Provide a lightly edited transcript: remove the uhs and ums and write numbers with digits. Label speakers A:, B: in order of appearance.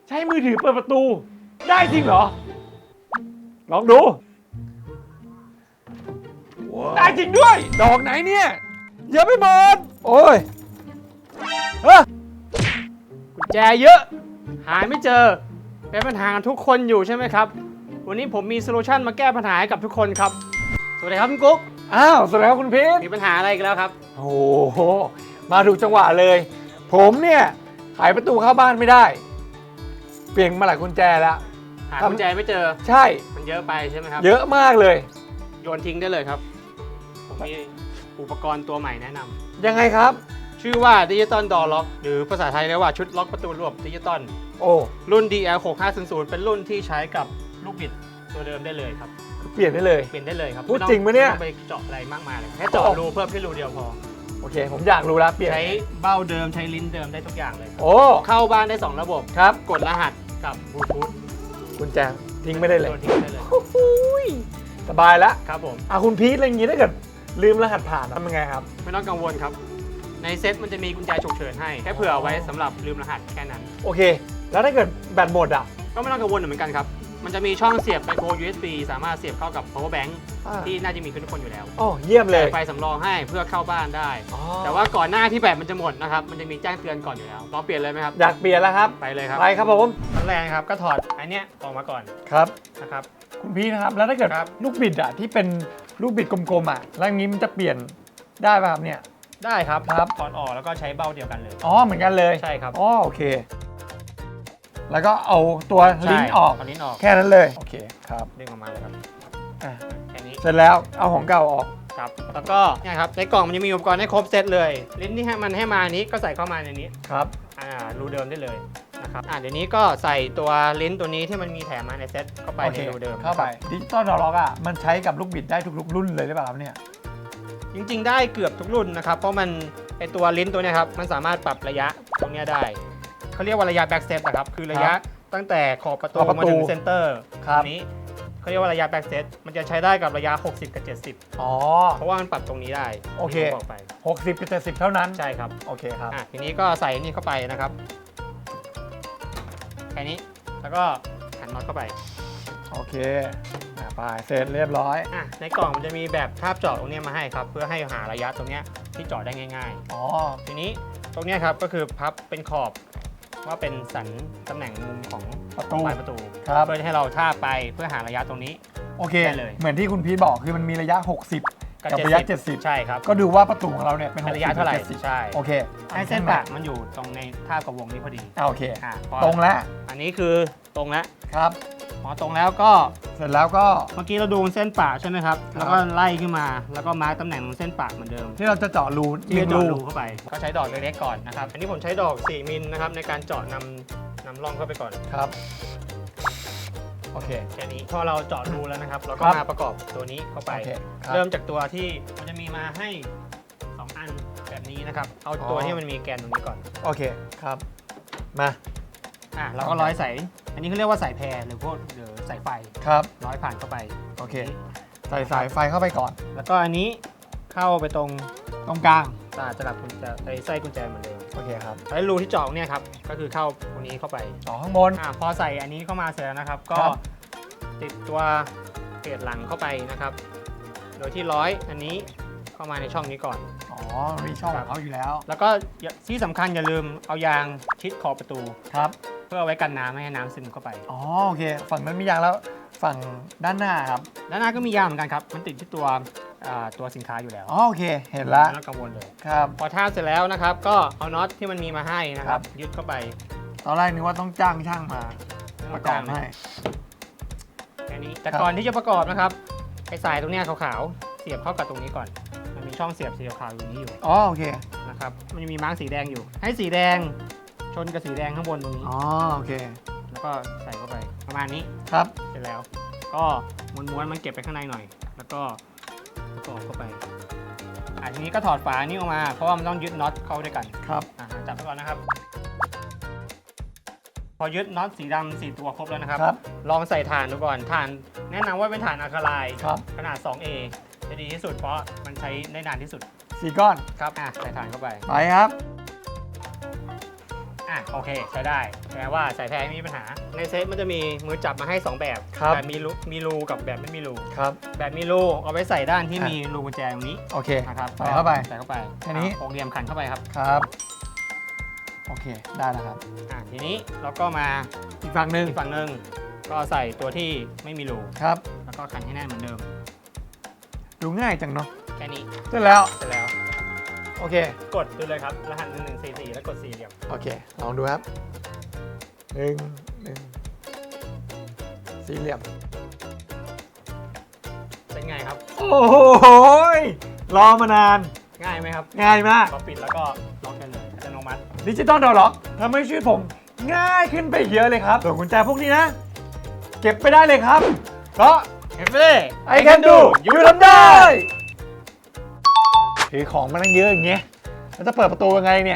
A: ใช้มือถือเปิดประตูได้จริงเหรอลองดูได้จริงด้วยดอกไหนเนี่ยเยอะไปหมดโอ้ย
B: กุญแจเยอะหาไม่เจอเป็นปัญหากันทุกคนอยู่ใช่ไหมครับวันนี้ผมมีโซลูชันมาแก้ปัญหาให้กับทุกคนครับสวัสดีครับคุณกุ๊ก
A: อ้าวสวัสดีครับคุณพีท
B: มีปัญหาอะไรอีกันแล้วครับ
A: โอ้โหมาถูกจังหวะเลยผมเนี่ยไขประตูเข้าบ้านไม่ได้เปลี่ยนมาหลายกุญแจแล้ว
B: หากุญแจไม่เจอ
A: ใช่
B: มันเยอะไปใช่ไหมครับ
A: เยอะมากเลย
B: โยนทิ้งได้เลยครับผมมีอุปกรณ์ตัวใหม่แนะนำ
A: ยังไงครับ
B: ชื่อว่าดิจิตอลดอร์ล็อกหรือภาษาไทยเรียกว่าชุดล็อกประตูระบบดิจิตอล
A: โอ้
B: รุ่น DL6500 เป็นรุ่นที่ใช้กับลูกบิดตัวเดิมได้เลยครับ
A: เปลี่ยนได้เลย
B: เปลี่ยนได้เลยครับ
A: พูดจริงปะเนี่ย
B: ไม่ต้องไปเจาะอะไรมากมายเลยแค่เจาะรูเพิ่มแค่รูเดียวพอ
A: โอเคผมอยากรู้แล้วเปลี่ยน
B: ใช้เบ้าเดิมใช้ลิ้นเดิมได้ทุกอย่างเลย
A: โอ้
B: เข้าบ้านได้ 2 ระบบ
A: ครับ
B: กดรหัสกับบลูทูธ
A: กุญแจทิ้งไม่ได้เลย
B: โยนทิ้งได้เลย
A: โอ้โหสบายแล้ว
B: ครับผม
A: คุณพีทอะไรอย่างงี้ถ้าเกิดลืมรหัสผ่านทำยังไงครับ
B: ไม่ต้องกังวลครับ ในเซ็ตมันจะมีกุญแจฉุกเฉินให้แค่เผื่อไว้สำหรับลืมรหัสแค่นั้น
A: โอเค แล้วถ้าเกิดแบตหมดอ่ะ
B: ก็ไม่ต้องกังวลเหมือนกันครับมันจะมีช่องเสียบ micro USB สามารถเสียบเข้ากับ power bank ที่น่าจะมีทุกคนอยู่แล้ว
A: โอ้เยี่ยมเลย
B: ไฟสำรองให้เพื่อเข้าบ้านได้
A: อ๋อ
B: แต่ว่าก่อนหน้าที่แบตมันจะหมดนะครับมันจะมีแจ้งเตือนก่อนอยู่แล้วลองเปลี่ยนเลยไหมครับ
A: อยากเปลี่ยนแล้วครับ
B: ไปเลยครับ
A: ไปครับผม
B: ขั้นแรกครับก็ถอดอันเนี้ยออกมาก่อน
A: ครับ
B: นะครับ
A: คุณพีทนะครับแล้วถ้าเกิด
B: ครับ
A: ลูกบิดอ่ะที่เป็นลูกบิดกลมๆอ่ะแล้วอย่างนี้มันจะเปลี่ยนได้ป่ะครับเนี่ย
B: ได้ครับ
A: ครับ
B: ถอดออกแล้วก็ใช้เบ้าเดียวกันเลย
A: อ๋อเหมือนกันเลย
B: ใช่ครับ
A: อ๋อโอเค แล้วก็เอาตัวลิ้นออก
B: เอาลิ้นออก
A: แค่นั้นเลยโอเคครับ
B: ดึงออกมาเลยครับ
A: อ่ะ
B: แค่นี้
A: เสร็จแล้วเอาของเก่าออก
B: ครับแล้วก็เนี่ยครับในกล่องมันจะมีอุปกรณ์ให้ครบเซตเลย ลิ้นที่ให้มันให้มานี้ก็ใส่เข้ามาในนี้
A: ครับ
B: รูเดิมได้เลยนะครับเดี๋ยวนี้ก็ใส่ตัวลิ้นตัวนี้ที่มันมีแถมมาในเซตเข้าไป
A: โอ
B: ใน
A: เค
B: รูเดิม
A: เข้าไปดิจิตอลดอลล็อกอ่ะมันใช้กับลูกบิดได้ทุกรุ่นเลยหรือเปล่าครับเนี่ย
B: จริงๆได้เกือบทุกรุ่นนะครับเพราะมันไอตัวลิ้นตัวเนี้ยครับมันสามารถปรับระยะตรงเนี้ยได้เขาเรียกว่าระยะแบ็กเซตนะครับคือระยะตั้งแต่ขอบประตูมาถึงเซนเตอร์นี้เขาเรียกว่าระยะแบ็กเซตมันจะใช้ได้กับระยะ 60 กับ 70
A: อ๋อ
B: เพราะว่ามันปรับตรงนี้ได้
A: โอเค
B: ที่ผมบอกไป
A: 60กับ70เท่านั้น
B: ใช่ครับ
A: โอเคครับ
B: ทีนี้ก็ใส่นี่เข้าไปนะครับแค่นี้แล้วก็หันน็อตเข้าไป
A: โอเคไปเสร็จเรียบร้อย
B: ในกล่องมันจะมีแบบทาบเจาะตรงนี้มาให้ครับเพื่อให้หาระยะตรงเนี้ยที่เจาะได้ง่าย
A: อ๋อ
B: ๆ ทีนี้ตรงเนี้ยครับก็คือพับเป็นขอบว่าเป็นสันตำแหน่งมุมของ
A: ประตู
B: ปลายประตู
A: ครับ
B: เพื่อให้เราทาบไปเพื่อหาระยะตรงนี้
A: โอเค
B: ได้เลย
A: เหมือนที่คุณพีทบอกคือมันมีระยะ 60 กับระยะ 70
B: ใช่ครับ
A: ก็ดูว่าประตูของเราเนี่ยเป็น
B: ระยะเท่าไหร่
A: 70
B: ใช่
A: โอเค
B: ให้เส้นปะมันอยู่ตรงในทาบกับวงนี้พอดี
A: โอเค
B: พอ
A: ตรงแล้ว
B: อันนี้คือตรงแล้ว
A: ครับ
B: พอตรงแล้วก็
A: เสร็จแล้วก็
B: เมื่อกี้เราดูเส้นปะใช่ไหมครับแล้วก็ไล่ขึ้นมาแล้วก็มาร์กตำแหน่งของเส้นปะเหมือนเดิม
A: ที่เราจะเจาะรู
B: ที่จะเจาะรูเข้าไปก็ใช้ดอกเล็กๆก่อนนะครับอันนี้ผมใช้ดอก 4 มิลนะครับในการเจาะนำร่องเข้าไปก่อน
A: ครับโอเค
B: แค่นี้พอเราเจาะรูแล้วนะครับเราก็
A: ครับ
B: มาประกอบตัวนี้เข้าไป
A: โอเคครับ
B: เริ่มจากตัวที่มันจะมีมาให้ 2 อันแบบนี้นะครับเอาตัวที่มันมีแกนตรงนี้ก่อน
A: โอเคครับมา
B: เราก็ร้อยสายอันนี้เขาเรียกว่าสายแพรหรือพวกหรือสายไฟ
A: ครับ
B: ร้อยผ่านเข้าไป
A: โอเคใส่สายไฟเข้าไปก่อน
B: แล้วก็อันนี้เข้าไปตรง
A: ตรงกลาง
B: จะหลับกุญแจไไส้กุญแจเหมือนเดิม
A: โอเคครับ
B: แล้วรูที่เจาะเนี่ยครับก็คือเข้าตรงนี้เข้าไป
A: ต่อข้างบน
B: พอใส่อันนี้เข้ามาเสร็จแล้วนะครับ ก็
A: ครับ
B: ติดตัวเกจหลังเข้าไปนะครับ โดยที่ร้อยอันนี้เข้ามาในช่องนี้ก่อน
A: อ๋อมีช่องของเขาอยู่แล้ว
B: แล้วก็ที่สำคัญอย่าลืมเอายางชิดขอบประตู
A: ครับ
B: เพื่อเอาไว้กันน้ำไม่ให้น้ำซึมเข้าไป
A: อ๋อโอเคฝั่งนั้นมียางแล้วฝั่งด้านหน้าครับ
B: ด้านหน้าก็มียางเหมือนกันครับ มันติดที่ตัวสินค้าอยู่แล้ว
A: อ๋อโอเคเห็นละ
B: ไม่ต้องกังวลเลย
A: ครับ
B: พอทาบเสร็จแล้วนะครับ ก็เอาน็อตที่มันมีมาให้นะครับ ยึดเข้าไป
A: ตอนแรกนึกว่าต้องจ้างช่างมาประกอบให้
B: แค่นี้แต่
A: ครับ
B: ก่อนที่จะประกอบนะครับไอ้สายตรงเนี้ยขาวๆเสียบเข้ากับตรงนี้ก่อน มันมีช่องเสียบสีขาวๆอยู่นี้อยู่
A: อ๋อโอเค
B: นะครับมันจะมีมาร์กสีแดงอยู่ ให้สีแดงชนกับสีแดงข้างบนตรงนี้
A: อ๋อโอเค
B: แล้วก็ใส่เข้าไปประมาณนี้
A: ครับ
B: เสร็จแล้ว ก็ม้วนๆมันเก็บไปข้างในหน่อย แล้วก็ประกอบเข้าไปทีนี้ก็ถอดฝานี้ออกมาเพราะว่ามันต้องยึดน็อตเข้าด้วยกัน
A: ครับ
B: จับไปก่อนนะครับ พอยึดน็อตสีดำ4 ตัวครบแล้วนะครับ
A: ครับ
B: ลองใส่ถ่านดูก่อนถ่านแนะนำว่าเป็นถ่านอะคาไลน์
A: ครับ
B: ขนาด 2A จะดีที่สุดเพราะมันใช้ได้นานที่สุด
A: 4 ก้อน
B: ครับใส่ถ่านเข้าไป
A: ไปครับ
B: โอเคใช้ได้แปลว่าสายแพรไม่มีปัญหาในเซตมันจะมีมือจับมาให้2แบบ
A: ครับ
B: แบบมีรูกับแบบไม่มีรู
A: ครับ
B: แบบมีรูเอาไว้ใส่ด้านที่มีรูกุญแจตรงนี้
A: โอเค
B: นะครับ
A: ใส่เข้าไป
B: ใส่เข้าไป
A: แค่นี้
B: หกเหลี่ยมขันเข้าไปครับ
A: ครับ โอเค ได้แล้วครับ
B: ทีนี้เราก็มา
A: อีกฝั่งหนึ่ง
B: อีกฝั่งหนึ่งก็ใส่ตัวที่ไม่มีรู
A: ครับ
B: แล้วก็ขันให้แน่นเหมือนเดิม
A: ดูง่ายจังเนาะ
B: แค่นี้
A: เสร็จแล้ว
B: เสร็จแล้ว
A: โอเค
B: กดดูเลยครับรหัส1144แล้วกด4เหลี่ยม
A: โอเค ลองดูครับหนึ่งสี่เหลี่ยม
B: เป็นไงครับ
A: โอ้โหยรอมานาน
B: ง่ายไหมครับ
A: ง่ายมาก
B: พอปิดแล้วก็ล็อกกันเลยอัตโนมัติ
A: ดิจิตอลดอร์ล็อกทำให้ชีวิตผมง่ายขึ้นไปเยอะเลยครับ ส่วนกุญแจพวกนี้นะ เก็บไปได้เลยครับ เพราะ I can do อยู่ทำได้ ถือของมาตั้งเยอะอย่างเงี้ยแล้วจะเปิดประตูยังไงเนี่ย